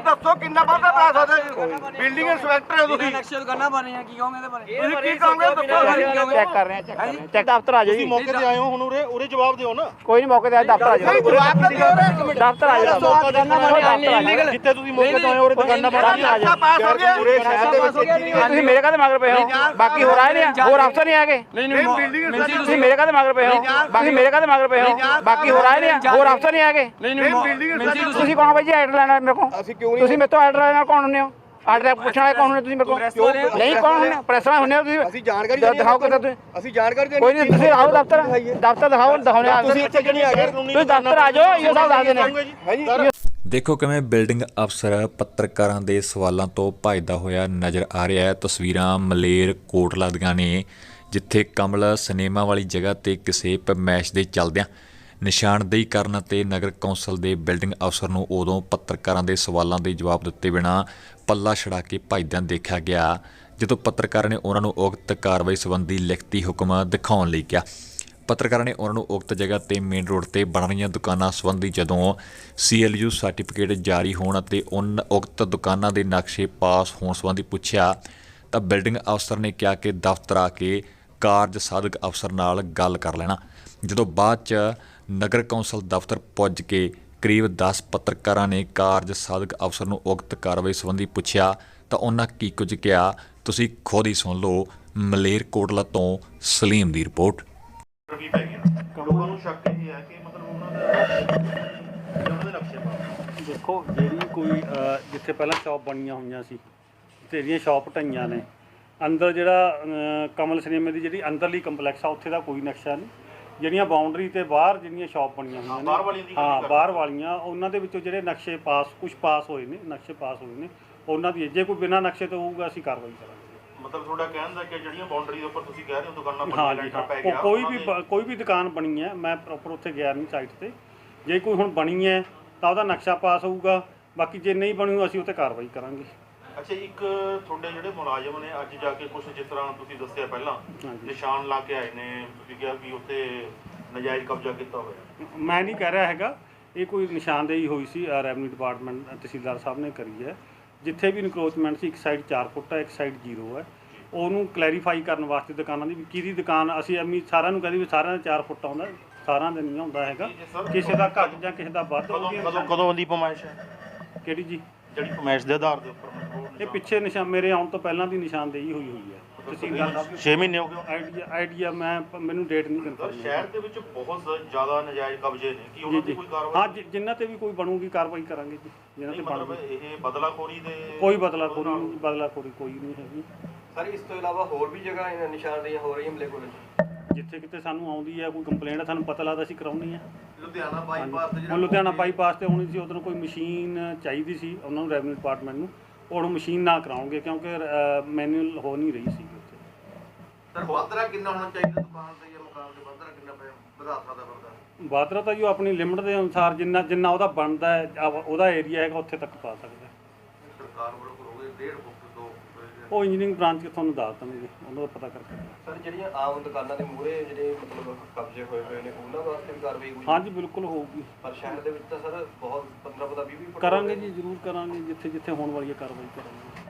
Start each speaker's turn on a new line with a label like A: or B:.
A: ਦੱਸੋ ਕਿੰਨਾ ਵਾਧਾ ਕਰਾ ਸਕਦੇ ਬਿਲਡਿੰਗ ਇੰਸਪੈਕਟਰ ਹੋ ਤੁਸੀਂ
B: ਨਕਸ਼ੇ ਦੁਕਾਨਾਂ ਬਣ ਰਹੀਆਂ ਕੀ ਕਹੋਗੇ ਇਹਦੇ ਬਾਰੇ
A: ਤੁਸੀਂ ਕੀ ਕਹੋਗੇ ਦੱਸੋ
C: ਚੈੱਕ ਕਰ ਰਹੇ ਆ ਚੈੱਕ ਦਫ਼ਤਰ ਆ ਜਾਓ ਜੀ
A: ਮੌਕੇ ਤੇ ਆਏ ਹੋ ਹੁਣ ਉਰੇ ਜਵਾਬ ਦਿਓ ਨਾ
C: ਕੋਈ ਨਹੀਂ ਮੌਕੇ ਤੇ ਦਫ਼ਤਰ ਆ ਜਾਓ ਦਫ਼ਤਰ ਆ ਜਾਓ
A: ਜਿੱਥੇ ਤੁਸੀਂ ਮੌਕੇ ਤੋਂ ਆਏ ਹੋ ਉਰੇ ਦੁਕਾਨਾਂ ਬਣ ਰਹੀਆਂ ਪਾਸ ਹੋ ਗਿਆ ਪੂਰੇ ਸ਼ਹਿਰ ਦੇ ਵਿੱਚ
C: ਤੁਸੀਂ ਮੇਰੇ ਕਾਹਦੇ ਮਗਰ ਪਏ ਹੋ ਬਾਕੀ ਹੋਰ ਆਏ ਨੇ ਹੋਰ ਅਫਸਰ ਨਹੀਂ ਆਗੇ ਤੁਸੀਂ ਮੇਰੇ ਕਾਹਦੇ ਮਗਰ ਪਏ ਹੋ ਬਾਕੀ ਮੇਰੇ ਕਾਹਦੇ ਮਗਰ ਪਏ ਹੋ ਬਾਕੀ ਹੋਰ ਆਏ ਨੇ ਹੋਰ ਅਫਸਰ ਨਹੀਂ ਆਗੇ ਤੁਸੀਂ ਕੌਣ ਬਾਈ ਜੀ ਆਰਡਰ ਲੈਣਾ ਮੇਰੇ ਕੋਲ ਤੁਸੀਂ ਮੇਰੇ ਤੋਂ ਆਰਡਰ ਲੈਣਾ ਕੌਣ ਹੁੰਦੇ ਹੋ ਆਰਡਰ ਪੁੱਛਣ ਵਾਲੇ ਕੌਣ ਹੁੰਦੇ ਤੁਸੀਂ ਮੇਰੇ ਕੋਲ ਨਹੀਂ ਕੌਣ ਹੁੰਦੇ ਪ੍ਰੈਸ ਵਾਲੇ ਹੁੰਦੇ ਹੋ ਤੁਸੀਂ
A: ਅਸੀਂ ਜਾਣਕਾਰੀ
C: ਦਿਖਾਓ ਕਿਤੇ ਤੁਸੀਂ
A: ਅਸੀਂ ਜਾਣਕਾਰੀ
C: ਕੋਈ ਨਹੀਂ ਤੁਸੀਂ ਆਓ ਦਫ਼ਤਰ ਦਿਖਾਓ ਦਿਖਾਉਣੇ ਆ
A: ਤੁਸੀਂ ਇੱਥੇ ਕਿਉਂ ਨਹੀਂ ਆ ਗਏ
C: ਤੁਸੀਂ ਦਫ਼ਤਰ ਆ ਜਾਓ ਇਹ ਸਭ ਦੱਸ ਦੇਣੇ
D: ਦੇਖੋ ਕਿਵੇਂ ਬਿਲਡਿੰਗ ਅਫਸਰ ਪੱਤਰਕਾਰਾਂ ਦੇ ਸਵਾਲਾਂ ਤੋਂ ਭੱਜਦਾ ਹੋਇਆ ਨਜ਼ਰ ਆ ਰਿਹਾ ਹੈ। ਤਸਵੀਰਾਂ ਮਲੇਰ ਕੋਟਲਾ ਦੀਆਂ ਨੇ ਜਿੱਥੇ ਕਮਲ ਸਿਨੇਮਾ ਵਾਲੀ ਜਗ੍ਹਾ ਤੇ ਕਿਸੇ ਪਰਮੈਸ਼ ਦੇ ਚੱਲਦਿਆਂ ਨਿਸ਼ਾਨਦੇਹੀ ਕਰਨ ਅਤੇ ਨਗਰ ਕੌਂਸਲ ਦੇ ਬਿਲਡਿੰਗ ਅਫਸਰ ਨੂੰ ਉਦੋਂ ਪੱਤਰਕਾਰਾਂ ਦੇ ਸਵਾਲਾਂ ਦੇ ਜਵਾਬ ਦਿੱਤੇ ਬਿਨਾਂ ਪੱਲਾ ਛੜਾ ਕੇ ਭੱਜਦਿਆਂ ਦੇਖਿਆ ਗਿਆ ਜਦੋਂ ਪੱਤਰਕਾਰਾਂ ਨੇ ਉਹਨਾਂ ਨੂੰ ਉਕਤ ਕਾਰਵਾਈ ਸੰਬੰਧੀ ਲਿਖਤੀ ਹੁਕਮ ਦਿਖਾਉਣ ਲਈ ਕਿਹਾ। ਪੱਤਰਕਾਰਾਂ ਨੇ ਉਹਨਾਂ ਨੂੰ ਉਕਤ ਜਗ੍ਹਾ ਤੇ ਮੇਨ ਰੋਡ ਤੇ ਬਣ ਰਹੀਆਂ ਦੁਕਾਨਾਂ ਸੰਬੰਧੀ ਜਦੋਂ CLU ਸਰਟੀਫਿਕੇਟ ਜਾਰੀ ਹੋਣ ਅਤੇ ਉਕਤ ਦੁਕਾਨਾਂ ਦੇ ਨਕਸ਼ੇ ਪਾਸ ਹੋਣ ਸੰਬੰਧੀ ਪੁੱਛਿਆ ਤਾਂ ਬਿਲਡਿੰਗ ਅਫਸਰ ਨੇ ਕਿਹਾ ਕਿ ਦਫ਼ਤਰ ਆ ਕੇ ਕਾਰਜ ਸਾਧਕ ਅਫਸਰ ਨਾਲ ਗੱਲ ਕਰ ਲੈਣਾ। ਜਦੋਂ ਬਾਅਦ 'ਚ ਨਗਰ ਕੌਂਸਲ ਦਫ਼ਤਰ ਪੁੱਜ ਕੇ ਕਰੀਬ 10 ਪੱਤਰਕਾਰਾਂ ਨੇ ਕਾਰਜ ਸਾਧਕ ਅਫਸਰ ਨੂੰ ਉਕਤ ਕਾਰਵਾਈ ਸੰਬੰਧੀ ਪੁੱਛਿਆ ਤਾਂ ਉਹਨਾਂ ਕੀ ਕੁਝ ਕਿਹਾ ਤੁਸੀਂ ਖੁਦ ਹੀ ਸੁਣ ਲਓ। ਮਲੇਰਕੋਟਲਾ ਤੋਂ ਸਲੀਮ ਦੀ ਰਿਪੋਰਟ।
A: ਲੋਕਾਂ ਨੂੰ ਸ਼ੱਕ ਇਹ ਹੈ ਕਿ ਮਤਲਬ ਉਹਨਾਂ ਦੇ ਨਕਸ਼ੇ ਪਾ
E: ਦੇਖੋ ਜਿਹੜੀ ਕੋਈ ਜਿੱਥੇ ਪਹਿਲਾਂ ਸ਼ਾਪ ਬਣੀਆਂ ਹੋਈਆਂ ਸੀ ਜਿਹੜੀਆਂ ਸ਼ਾਪ ਢਾਈਆਂ ਨੇ ਅੰਦਰ ਜਿਹੜਾ ਕਮਲ ਸਿਨੇਮੇ ਦੀ ਜਿਹੜੀ ਅੰਦਰਲੀ ਕੰਪਲੈਕਸ ਆ ਉੱਥੇ ਦਾ ਕੋਈ ਨਕਸ਼ਾ ਨਹੀਂ। ਜਿਹੜੀਆਂ ਬਾਉਂਡਰੀ ਤੇ ਬਾਹਰ ਜਿਹੜੀਆਂ ਸ਼ਾਪ ਬਣੀਆਂ ਹੋਈਆਂ ਨੇ ਬਾਹਰ ਵਾਲੀਆਂ ਉਹਨਾਂ ਦੇ ਵਿੱਚੋਂ ਜਿਹੜੇ ਨਕਸ਼ੇ ਕੁਝ ਪਾਸ ਹੋਏ ਨੇ ਨਕਸ਼ੇ ਪਾਸ ਹੋਏ ਨੇ ਉਹਨਾਂ ਦੀ ਜੇ ਕੋਈ ਬਿਨਾਂ ਨਕਸ਼ੇ ਤੋਂ ਹੋਊਗਾ ਅਸੀਂ ਕਾਰਵਾਈ ਕਰਾਂਗੇ।
A: ਮਤਲਬ ਤੁਹਾਡਾ ਕਹਿਣ ਦਾ ਕਿ ਜਿਹੜੀਆਂ ਬਾਉਂਡਰੀ ਦੇ ਉੱਪਰ ਤੁਸੀਂ ਕਹਿ ਰਹੇ ਹੋ ਦੁਕਾਨਾਂ
E: ਪੈ ਗਿਆ ਕੋਈ ਵੀ ਦੁਕਾਨ ਬਣੀ ਹੈ ਮੈਂ ਪ੍ਰੋਪਰ ਉੱਥੇ ਗਿਆ ਨਹੀਂ ਸਾਈਟ ਤੇ ਜੇ ਕੋਈ ਹੁਣ ਬਣੀ ਹੈ ਤਾਂ ਉਹਦਾ ਨਕਸ਼ਾ ਪਾਸ ਹੋਊਗਾ ਬਾਕੀ ਜੇ ਨਹੀਂ ਬਣੀ ਅਸੀਂ ਉੱਤੇ ਕਾਰਵਾਈ ਕਰਾਂਗੇ।
A: ਅੱਛਾ ਇੱਕ ਤੁਹਾਡੇ ਜਿਹੜੇ ਮੁਲਾਜ਼ਮ ਨੇ ਅੱਜ ਜਾ ਕੇ ਕੁਝ ਜਿਸ ਤਰ੍ਹਾਂ ਤੁਸੀਂ ਦੱਸਿਆ ਪਹਿਲਾਂ ਨਿਸ਼ਾਨ ਲਾ ਕੇ ਆਏ ਨੇ ਤੁਸੀਂ ਕਿਹਾ ਵੀ ਉੱਥੇ ਨਜਾਇਜ਼ ਕਬਜ਼ਾ ਕੀਤਾ ਹੋਇਆ
E: ਮੈਂ ਨਹੀਂ ਕਹਿ ਰਿਹਾ ਹੈਗਾ ਇਹ ਕੋਈ ਨਿਸ਼ਾਨਦੇਹੀ ਹੋਈ ਸੀ ਰੈਵਨਿਊ ਡਿਪਾਰਟਮੈਂਟ ਤਹਿਸੀਲਦਾਰ ਸਾਹਿਬ ਨੇ ਕਰੀ ਹੈ ਜਿੱਥੇ ਵੀ ਇਨਕਰੋਚਮੈਂਟ ਸੀ ਇੱਕ ਸਾਈਡ 4 ਫੁੱਟ ਹੈ ਇੱਕ ਸਾਈਡ 0 ਹੈ ਉਹਨੂੰ ਕਲੈਰੀਫਾਈ ਕਰਨ ਵਾਸਤੇ ਦੁਕਾਨਾਂ ਦੀ ਵੀ ਕਿਹਦੀ ਦੁਕਾਨ ਅਸੀਂ ਐਵੇਂ ਸਾਰਿਆਂ ਨੂੰ ਕਹਿੰਦੇ ਵੀ ਸਾਰਿਆਂ ਦਾ 4 ਫੁੱਟ ਆਉਂਦਾ ਸਾਰਿਆਂ ਦਾ ਨਹੀਂ ਆਉਂਦਾ ਹੈਗਾ ਕਿਸੇ ਦਾ ਘੱਟ ਜਾਂ ਕਿਸੇ ਦਾ ਵੱਧ
A: ਕਦੋਂ ਦੀ ਪਮਾਇਸ਼ ਹੈ
E: ਕਿਹੜੀ ਜੀ
A: ਜਿਹੜੀ ਪਮਾਇਸ਼ ਦੇ ਆਧਾਰ ਦੇ ਉੱਪਰ
E: ਇਹ ਪਿੱਛੇ ਮੇਰੇ ਆਉਣ ਤੋਂ ਪਹਿਲਾਂ ਦੀ ਨਿਸ਼ਾਨਦੇਹੀ ਹੋਈ ਹੈ ਤਹਿਸੀਲਦਾਰ ਸਾਹਿਬ
A: 6 ਮਹੀਨੇ ਹੋ ਗਏ
E: ਆਈਡੀਆ ਮੈਨੂੰ ਡੇਟ ਨਹੀਂ ਕਨਫਰਮ
A: ਸ਼ਹਿਰ ਦੇ ਵਿੱਚ ਬਹੁਤ ਜ਼ਿਆਦਾ ਨਜਾਇਜ਼ ਕਬਜ਼ੇ ਨੇ ਕੀ ਉਹਨਾਂ ਦੀ ਕੋਈ ਕਾਰਵਾਈ
E: ਹਾਂ ਜਿਨ੍ਹਾਂ ਤੇ ਵੀ ਕੋਈ ਬਣੂਗੀ ਕਾਰਵਾਈ ਕਰਾਂਗੇ ਜੀ ਜਿਨ੍ਹਾਂ ਤੇ
A: ਮਤਲਬ ਇਹ ਬਦਲਾਖੋਰੀ ਦੇ
E: ਕੋਈ ਬਦਲਾਖੋਰੀ ਕੋਈ ਨਹੀਂ ਹੈਗੀ
B: ਸਰ ਇਸ ਤੋਂ ਇਲਾਵਾ ਹੋਰ ਵੀ ਜਗ੍ਹਾ ਨਿਸ਼ਾਨਦੇਹੀਆਂ ਹੋ ਰਹੀਆਂ ਮਲੇਰਕੋਟਲਾ 'ਚ
E: ਜਿੱਥੇ ਕਿਤੇ ਸਾਨੂੰ ਆਉਂਦੀ ਹੈ ਕੋਈ ਕੰਪਲੇਂਟ ਸਾਨੂੰ ਪਤਾ ਲੱਗਦਾ ਅਸੀਂ ਕਰਾਉਂਦੇ ਹਾਂ।
A: ਲੁਧਿਆਣਾ ਬਾਈਪਾਸ ਤੇ
E: ਲੁਧਿਆਣਾ ਬਾਈਪਾਸ ਤੇ ਹੋਣੀ ਸੀ ਉਦੋਂ ਕੋਈ ਮਸ਼ੀਨ ਚਾਹੀਦੀ ਸੀ ਉਹਨਾਂ ਨੂੰ ਰੈਵਨਿਊ ਡਿਪਾਰਟਮੈਂਟ ਨੂੰ ਉਹ ਮਸ਼ੀਨ ਨਾ ਕਰਾਉਂਗੇ ਕਿਉਂਕਿ ਮੈਨੂਅਲ ਹੋ ਨਹੀਂ ਰਹੀ ਸੀ ਉੱਥੇ।
A: ਸਰ ਵਾਧਰਾ ਕਿੰਨਾ ਹੋਣਾ ਚਾਹੀਦਾ ਦੁਕਾਨ ਤੇ ਜਾਂ ਮਕਾਨ ਤੇ ਵਾਧਰਾ ਕਿੰਨਾ ਵਧਾ ਸਕਦਾ ਬੰਦਾ
E: ਵਾਧਰਾ ਤਾਂ ਜੋ ਆਪਣੀ ਲਿਮਟ ਦੇ ਅਨੁਸਾਰ ਜਿੰਨਾ ਉਹਦਾ ਬਣਦਾ ਹੈ ਉਹਦਾ ਏਰੀਆ ਹੈਗਾ ਉੱਥੇ ਤੱਕ ਪਾ ਸਕਦਾ।
A: ਸਰਕਾਰ ਵੱਲੋਂ ਕਰੋਗੇ 1.5 ਫੁੱਟ 2
E: ਉਹ ਇੰਜੀਨੀਅਰਿੰਗ ਬ੍ਰਾਂਚ ਕੇ ਤੁਹਾਨੂੰ ਦੱਸ ਦੇਣਗੇ ਉਹਨਾਂ ਦਾ ਪਤਾ ਕਰਕੇ।
B: ਸਰ ਜਿਹੜੀਆਂ ਆਮ ਦੁਕਾਨਾਂ ਦੇ ਮੂਹਰੇ ਜਿਹੜੇ ਮਤਲਬ ਕਬਜ਼ੇ ਹੋਏ ਨੇ ਉਹਨਾਂ ਵਾਸਤੇ ਵੀ ਕਾਰਵਾਈ ਹੋਈ
E: ਹਾਂਜੀ ਬਿਲਕੁਲ ਹੋਊਗੀ
B: ਪਰ ਸ਼ਹਿਰ ਦੇ ਵਿੱਚ ਤਾਂ ਸਰ ਬਹੁਤ 15 20
E: ਕਰਾਂਗੇ ਜੀ ਜ਼ਰੂਰ ਕਰਾਂਗੇ ਜਿੱਥੇ ਹੋਣ ਵਾਲੀ ਹੈ ਕਾਰਵਾਈ ਕਰਾਂਗੇ।